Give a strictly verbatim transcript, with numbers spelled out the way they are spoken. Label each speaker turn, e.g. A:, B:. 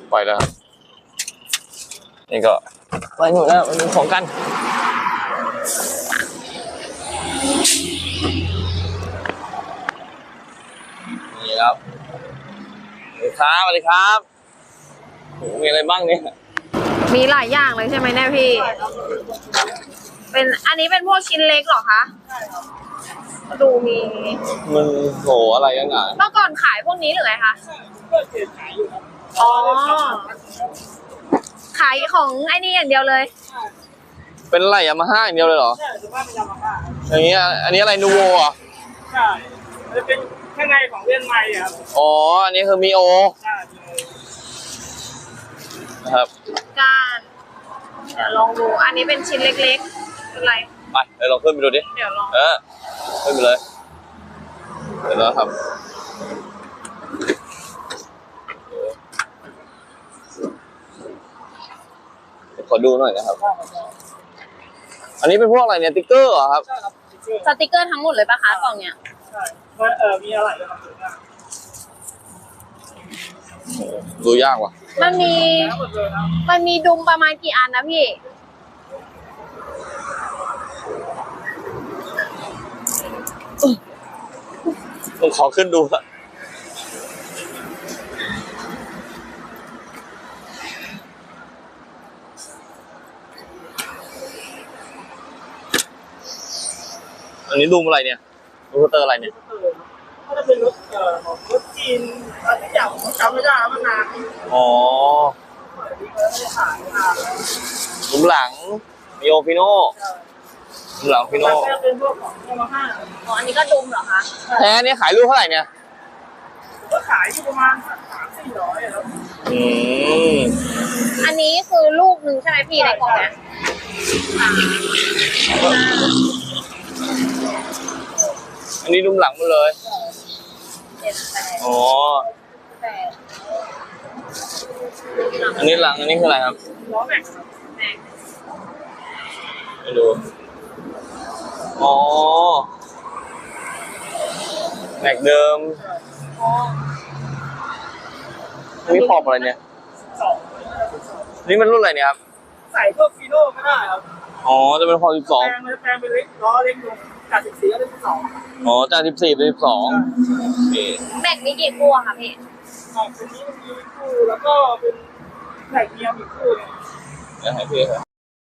A: ไปแล้วนี่ก็ไปหนูแล้วไปดูของกันนี่ครับสวัสดีครับสวัสดีครับโอ้มีอะไรบ้างเนี่ย
B: มีหลายอย่างเลยใช่ไหมเนี่ยพี่เป็นอันนี้เป็นพวกชิ้นเล็กเหรอคะดูมี
A: มันโหอะไรกันอ่ะ
B: เมื่อก่อนขายพวกนี้หรือไงคะอ๋อขายของไอ้นี่อย่างเดียวเลย
A: เป็นอะไรยามาฮ่าอย่างเดียวเลยเหรอ
C: ใช่ส่วนมากเป็นยามาฮ่า
A: อย่างเงี้ยอันนี้อะไรนูโวอ่ะ
C: ใช่จะเป็นข้างในของเลื่อนไม้ครับ
A: อ๋ออันนี้คือมีโอ
C: ใช่
A: นะครับ
B: การเดี๋ยวลองดูอันนี้เป็นชิ้นเล็กๆเป็นไร
A: ไปเดี๋ยวลองขึ้นไปดูดิ
B: เดี๋ยวลอง
A: เออขึ้นไปเลยเดี๋ยวเราทำขอดูหน่อยนะครับอันนี้เป็นพวกอะไรเนี่ยติ๊กเกอร์เหรอครับ
C: ใช่ครับ
B: สติกเกอร์ทั้งหมดเลยปะคะกล่องเนี้ย
C: ใช่เออมีอะไรครับ
A: ดูยากว่ะ
B: มันมีมันมีดุมประมาณกี่อันนะพี่
A: ผมขอขึ้นดูละอันนี้ดูมอะไรเนี่ยดูเตอร์อะไรเนี่ย
C: ถ้าจะเป็นรถเอ่อรถจีนอะไรที่อย่างผมจำไม่ได้มานาน
A: อ๋อ
C: ไม่ได้ขายนาน
A: ดุมหลังมีโอฟิโน่ดุมหลังฟิโน่
C: เป็นพวกของยามาฮ่า
B: อ๋ออันนี้ก็ดุมเหรอคะ
A: แท้เนี่ยขายลูกเท่าไหร่เนี่ย
C: ก็ขายอยู่ประมาณสามสี่ร้อยครับ
A: อืม
B: อันนี้คือลูกหนึ่งใช่ไหมพี่ในกล่องเนี้ย
A: อันนี้ดุมหลังหมดเลยอ๋ออันนี้หลังอันนี้คืออะไรครับ
C: ล้อแม็กซ์ครับ
A: ไม่รู้อ๋อแม็กเดิมนี่ขอบอะไรเนี่ยนี่มันรุ่นอะไรเนี่ยครับ
C: ใส่พวกฟีโน่ก็ได้ครับ
A: อ๋อจะเป็นขอบสิบสอง
C: แปลงแปลงเป็นเล็กล้อเล็กลงจากสิบสี่ก็เป็นสิบสอง
A: อ๋อจากสิบสี่เป็นสิบสอง
B: แม็กมีกี่คู่อะคะพี่
C: อ๋อตัวนี้มันมีคู่แล้วก็เป็นแม็กเมียมอีกคู่นึง
A: เดี๋ยวให้พี่ครับ